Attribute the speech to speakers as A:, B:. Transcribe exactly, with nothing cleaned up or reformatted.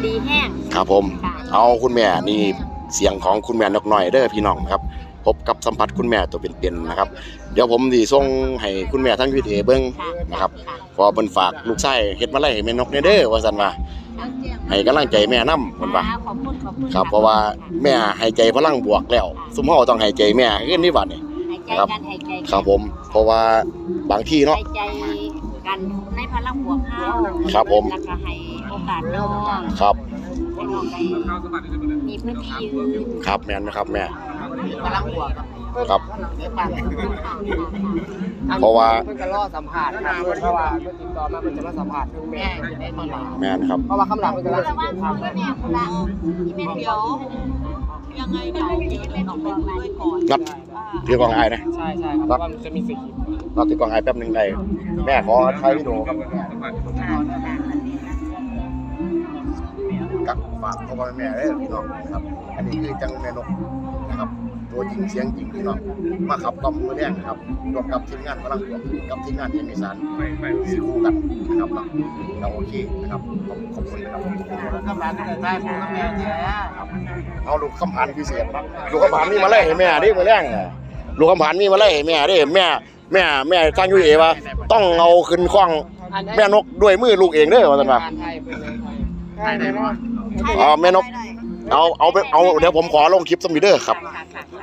A: ดีแห้ง
B: ครับผมเอาคุณแม่นี่เสียงของคุณแม่นกน้อยเด้อพี่น้องครับพบกับสัมผัสคุณแม่ตัวเป็นๆนะครับเดี๋ยวผมสิส่งให้คุณแม่ทั้งวิดีโอเบิ่งนะครับพอเพิ่นฝากลูกชายเฮ็ดมาไล่ให้แม่นกเด้อว่าซั่นว่าให้กำลังใจแม่นำเพิ่นว่าครับเพราะว่าแม่ให้ใจพลังบวกแล้วซุมเฮาต้องให้ใจแม่ขึ้นนี่บัดนี้ครับครับผมเพราะว่าบางทีเนาะ
A: ใจกันในพลังบวกเฮา
B: ครับผม
A: แล้วก็ให้โอกาสน้อง
B: ครับ
A: ให้น้องได้มีพื้นที่ยืน
B: ครับแม่นนะครับแม่
A: พลังบวก
B: ครับเพราะว่า
C: เพิ่นก็รอสัมภาษณ์ครับเพราะว่าเพิ่นติดต่อมาเพิ่นจะมาสัมภาษณ์เรื่องแม่ได้มา
B: แม่นครับ
C: เพราะว่าคำหลังเพิ่นก็รอสัมภาษณ์ครับ
A: แม่คนละที่แม่เดียวยังไงเดี๋ยวแม่ออกไปด้วยก่อน
B: นัดถือกล่องไอ้นะ
C: ใช่ๆครับเพราะว่ามันจะมีสคริปต์
B: นัดถือกล่องไอ้แป๊บนึงได้แม่ขอถ่ายวิดีโอครับกับฝากพ่อแม่เด้อพี่น้องนะครับอันนี้คือจังแม่นกนะครับตัวจริงเสียงจริงพี่น้องมาขับกล่อมมือแดงนะครับรวมกับทีมงานพลังบวกกับทีมงานเอ็มอีสานสี่คู่กันนะครับเราโอเคนะครับขอบคุณนะครับ
C: คำหลังก็ได้ได้ของแม่แท้
B: ครับเอาลูกคำผ่านพิเศษลูกคำผ่านมีมาไล่ให้แม่ดิมือแดงลูกคำผ่านมีมาไล่ให้แม่ดิแม่แม่แม่ทางยูเอว่าต้องเอาขึ้นคล้องแม่นกด้วยมือลูกเองเด้อว่าซั่นว่าอ๋อแม่นกเอาเอาไปเอาเดี๋ยวผมขอลงคลิปสมิเดอร์ครับ